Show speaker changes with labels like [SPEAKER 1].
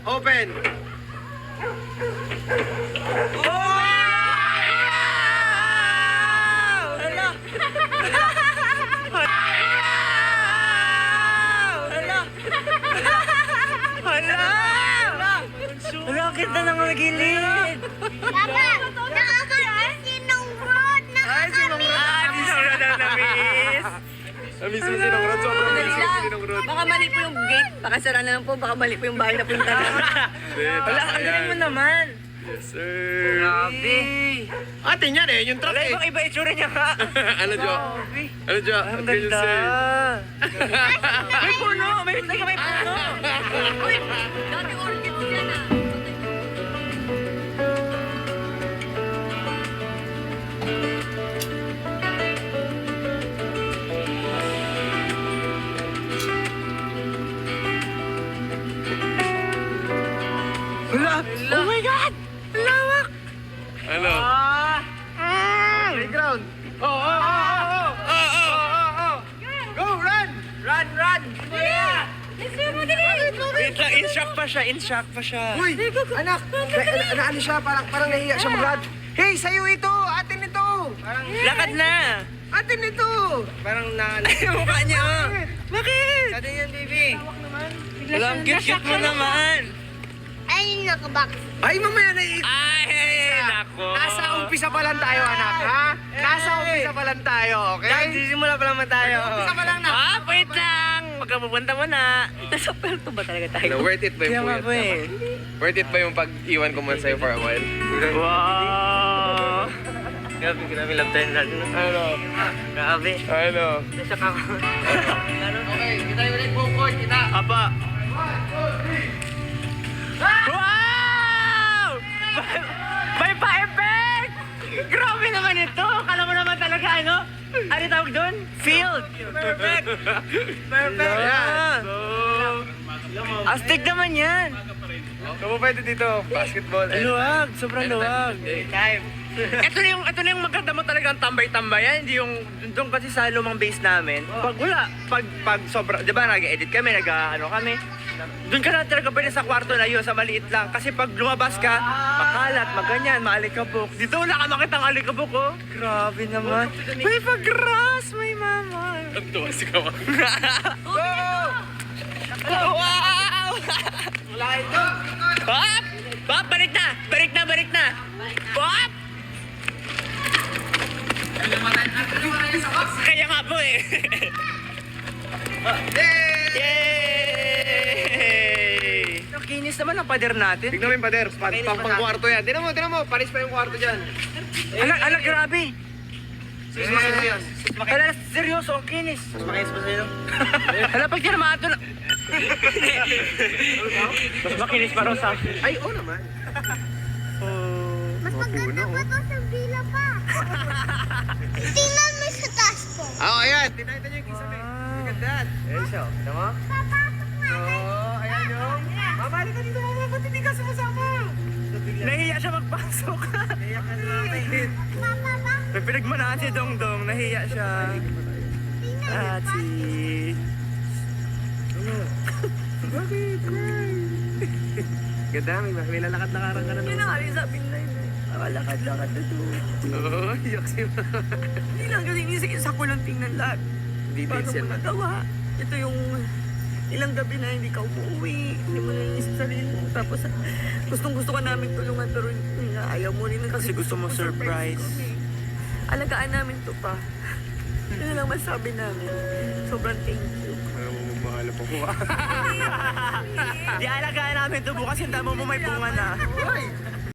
[SPEAKER 1] Open!
[SPEAKER 2] Wala, ang ganda ng mga gilid.
[SPEAKER 3] Papa, nakakamiss ng road.
[SPEAKER 2] Sinong Rod ang namiss?
[SPEAKER 1] Namiss mo sinong Rod? Sobrang miss mo sinong Rod.
[SPEAKER 4] Baka mali po yung gate. Baka sara na lang po. Baka mali po yung bahay na punta na.
[SPEAKER 2] Wala, ang galing mo naman.
[SPEAKER 1] Yes, sir.
[SPEAKER 2] Grabe.
[SPEAKER 1] Atin yan eh, yung truck
[SPEAKER 2] Wala,
[SPEAKER 1] eh.
[SPEAKER 2] ibang iba itsura niya ka.
[SPEAKER 1] Ano, Jo? Ano, Jo?
[SPEAKER 2] Ang
[SPEAKER 1] What can you
[SPEAKER 2] ganda.
[SPEAKER 1] say?
[SPEAKER 2] May puno. May puno.
[SPEAKER 4] Uy, dati orchids yan ah.
[SPEAKER 2] Wala. Oh my God. Lawak.
[SPEAKER 1] Ano? Playground. Go, run!
[SPEAKER 2] Run. Wait lang, in shock pa siya.
[SPEAKER 1] Uy, anak! Ano siya? Parang nahiya siya mag-run. Hey, sa'yo ito! Atin ito!
[SPEAKER 2] Lakad na.
[SPEAKER 1] Atin ito! Parang na...
[SPEAKER 2] Yung mukha niya. Oh. Bakit?
[SPEAKER 1] Atin yan, baby.
[SPEAKER 2] Wala, ang cute mo naman.
[SPEAKER 3] Ay, nakabak.
[SPEAKER 1] Ay, mamaya na
[SPEAKER 2] Ay, nako.
[SPEAKER 1] Nasa umpisa pa lang tayo, anak, ha? Nasa umpisa pa lang tayo, okay?
[SPEAKER 2] Sisimula pa naman tayo.
[SPEAKER 1] Umpisa pa lang na.
[SPEAKER 2] Wait lang. Magkapupunta mo na.
[SPEAKER 4] Nasa pelto ba talaga tayo?
[SPEAKER 1] Worth it ba
[SPEAKER 2] Kaya
[SPEAKER 1] yung
[SPEAKER 2] nga po
[SPEAKER 1] puyat
[SPEAKER 2] eh.
[SPEAKER 1] naman? Worth it ba yung pag-iwan ko muna sa'yo for a while?
[SPEAKER 2] Wow. Grabe love tayo natin.
[SPEAKER 1] Ano?
[SPEAKER 2] Grabe.
[SPEAKER 1] Ano?
[SPEAKER 2] Nasak ako.
[SPEAKER 1] Okay, kita yung ulit bukod, kita.
[SPEAKER 2] Apa. Wow! May pa-effect! Grabe naman ito! Kala mo naman talaga ano? Ano tawag doon? Field! Perfect! Perfect!
[SPEAKER 1] Ayan.
[SPEAKER 2] Astig naman yan!
[SPEAKER 1] Kamo pwede dito, basketball.
[SPEAKER 2] Luwag! Sobrang luwag!
[SPEAKER 1] Time.
[SPEAKER 2] Ito na yung maganda mo talagang tambay-tambayan, hindi yung doon kasi sa lumang base namin. Pag wala, pag sobra, di ba nag-edit kami, kami, doon ka na talaga pwede sa kwarto na yun, sa maliit lang. Kasi pag lumabas ka, makalat, maganyan, maalikabok. Dito wala ka makitang alikabok, oh. Grabe naman. May pag-grass, may mama.
[SPEAKER 1] Ang tuwa si Kawan.
[SPEAKER 2] Wow!
[SPEAKER 1] Wala ito.
[SPEAKER 2] Pop! Pop, balik na! Pop! Kaya nga po eh. Yay! Nakinis naman ang pader natin.
[SPEAKER 1] Tignan mo yung pader, pang-kwarto yan. Tignan mo, panis pa yung kwarto dyan.
[SPEAKER 2] Ala, grabe.
[SPEAKER 1] Serious.
[SPEAKER 2] Ala, seryoso, ang kinis. Mas makinis pa sa'yo. Ala, pag tinamato na... Mas makinis pa rin sa...
[SPEAKER 1] Ay, oo naman.
[SPEAKER 3] Mas maganda pa to sa villa pa. Tingnan mo sa taas ko.
[SPEAKER 1] Oo, ayan. Tinakita niyo yung kisame. Look at that. Ayun siya. Tignan mo.
[SPEAKER 3] Papasok na.
[SPEAKER 1] Oo, ayan yung. Mamali ka dito, mama. Ba't hindi ka sumasama?
[SPEAKER 2] Nahiya siya magpasok.
[SPEAKER 1] Naiyak ka na natin.
[SPEAKER 3] Papa,
[SPEAKER 2] May pinagmanaan si Dongdong, nahiya siya. At si...
[SPEAKER 1] Bakit? Ganda, may lalakad-lakaran ka na
[SPEAKER 4] Yun ang aling sabi na yun eh. Lakad-lakad na to.
[SPEAKER 1] Oo, iyak si mama.
[SPEAKER 4] Hindi lang kasi inisip sa ko lang tingnan lahat.
[SPEAKER 1] Details
[SPEAKER 4] Paano
[SPEAKER 1] yan
[SPEAKER 4] mo
[SPEAKER 1] na.
[SPEAKER 4] nagawa? Ito yung ilang gabi na hindi ka umuwi. Hindi mo naiisip sa sarili mo. Tapos gustong-gusto ka namin tulungan pero yun nga, ayaw mo rin
[SPEAKER 2] Kasi gusto mo surprise.
[SPEAKER 4] kami. Alagaan namin to pa. Yun lang masabi namin. Sobrang thank you.
[SPEAKER 1] Alam mo, mahal pa ko.
[SPEAKER 2] Di alagaan namin to bukas, yung damo mo may bunga na.
[SPEAKER 1] Uy!